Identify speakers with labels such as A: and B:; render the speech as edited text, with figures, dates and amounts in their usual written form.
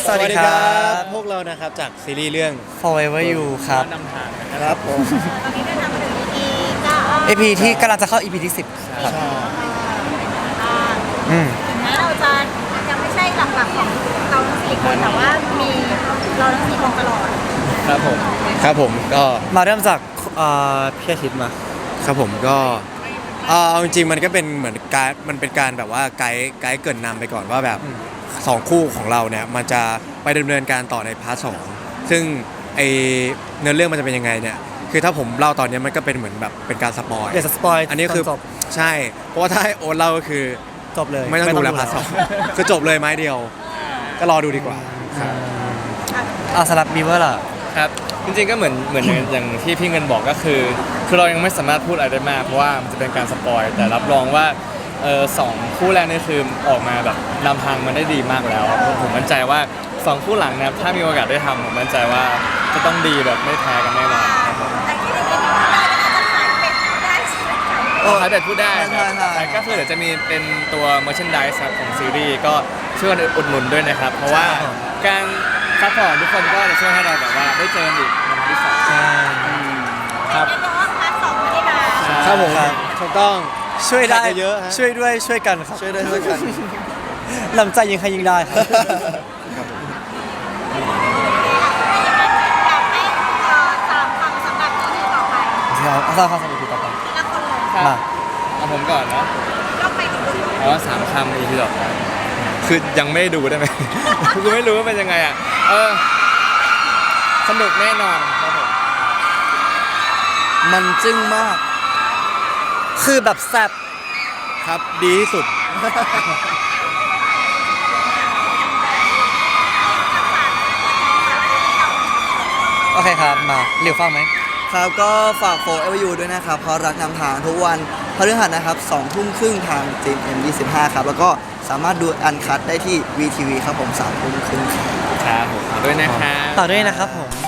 A: สวัสดีครับ
B: พวกเรานะครับจากซีรีส์เรื่อง
A: Forever You ครับ
C: นำทางนะค
B: ครับ รับผม
D: ตอนนี้ได้นำมาถึง EP ก็
A: EP ที่กำลังจะเข้า EP ที่ 10ครับอืม
D: ถึงแม้เราจะยังไม่ใช่หลักๆของเราทั้ง4คนแต่ว่ามีเราทั้ง4คนตลอด
C: ครับผม
B: ครับผมก็
A: มาเริ่มจากพี่อาทิตย์มา
B: ครับผมก็เอาจริงๆมันก็เป็นเหมือนการมันเป็นการแบบว่าไกด์เกรินนำไปก่อนว่าแบบสองคู่ของเราเนี่ยมันจะไปดำเนินการต่อในพาร์ทสองซึ่งไอเนื้อเรื่องมันจะเป็นยังไงเนี่ยคือถ้าผมเล่าตอนนี้มันก็เป็นเหมือนแบบเป็นการสปอย
A: เดี๋ยวจะสปอย
B: อันนี้คือ
A: จบ
B: ใช่เพราะว่าถ้าให้โอ๊ตเล่าก็คือ
A: จบเลย
B: ไม่ต้องดูแล้วพาร์ทสองคือจบเลยไม้เดียว ก็รอดูดีกว่า
A: สำหรับบีเวอร์ล่ะ
C: ครับจริงๆก็เหมือนอย่างที่พี่เงินบอกก็คือเรายังไม่สามารถพูดอะไรได้มากเพราะว่ามันจะเป็นการสปอยแต่รับรองว่าสองคู่แรกนี่คือออกมาแบบนำทางมันได้ดีมากแล้วผมมั่นใจว่าสองคู่หลังนะครับถ้ามีโอกาสได้ทำผมมั่นใจว่าจะต้องดีแบบไม่แพ้กันแน่นอนครับผม
D: แต่ที่ใน EP ได้ก็น่าจะขายเป็นได้ใช่ไหมคะ
C: ขายแบบพูดได้ครับ
A: ใช่
C: แต่ก็คือเดี๋ยวจะมีเป็นตัว merchandise ครับของซีรีส์ก็ช่วยกันอุดหนุนด้วยนะครับเพราะว่าการซัพพอร์ตทุกคนก็จะช่วยให้เราแบบว่าได้เจอกันอีกในวันที่สอง
D: ครับเดี๋ยวย้อนพาร์ท2ไม่ได้มา
B: ครับผม
A: ครับ
B: ถูกต้อง
A: ช่วยได้
B: เยอะๆฮะ
A: ช่วยด้วยช่วยกันครับ
B: ช่วยด้วยช่วยกัน
A: ลำใจยิงใครยิงได้ครับ
D: อยากให้ตามคำสำหรับ EP ต่อไป
A: เดี๋ยวเอาความสำคัญต่อไป
D: ทีละคนเลย
C: ครับ
A: มา
C: เอาผมก่อนนะ
D: ก็ไปถึง
C: อ๋อ3 คำอีกทีหรอคือยังไม่ได้ดูได้ไหม คือไม่รู้ว่าเป็นยังไงอ่ะสนุกแน่นอนครับผม
A: มันจึ้งมาก คือแบบแซ่บ
B: ครับดีที่สุด
A: โอเคครับ มาเร็วฟังไหม
E: ครับก็ฝากโฟร์เอเวอร์ยูด้วยนะครับ เพราะรักนำทางทุกวันพฤหัสนะครับ2 ทุ่มครึ่งทาง GMM25 ครับ แล้วก็สามารถดูอันคัดได้ที่ VTV ครับผม3 ทุ่มครึ่งครับ
C: ครับผมขอด้วยนะครับ
A: ต่อด้วยนะครับผม